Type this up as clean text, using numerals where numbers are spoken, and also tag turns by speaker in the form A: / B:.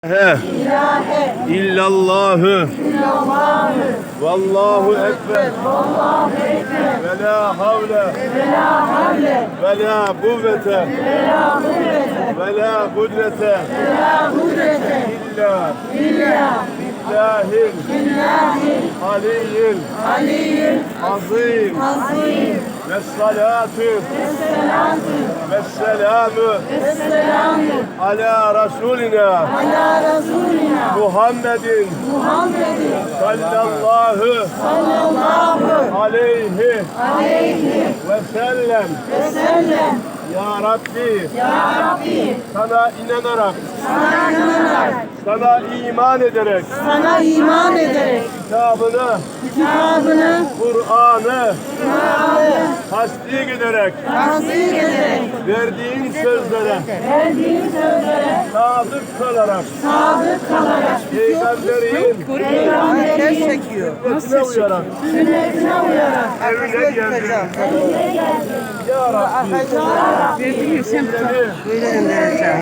A: İllallahü vallahu ekber ve la havle ve la kuvvete ve la kudrete illa billahil aliyyil azim ve salatu ve selamu ala Resulina Muhammedin sallallahu aleyhi ve sellem. Ya Rabbi, sana inanarak, sana iman ederek, kitabını, Kur'an'ı tasdik ederek, verdiğin sözlere sadık kalarak, peygamberin sünnetine uyarak evine geldim. Ya Rabbi,
B: Böyle göndereceğim.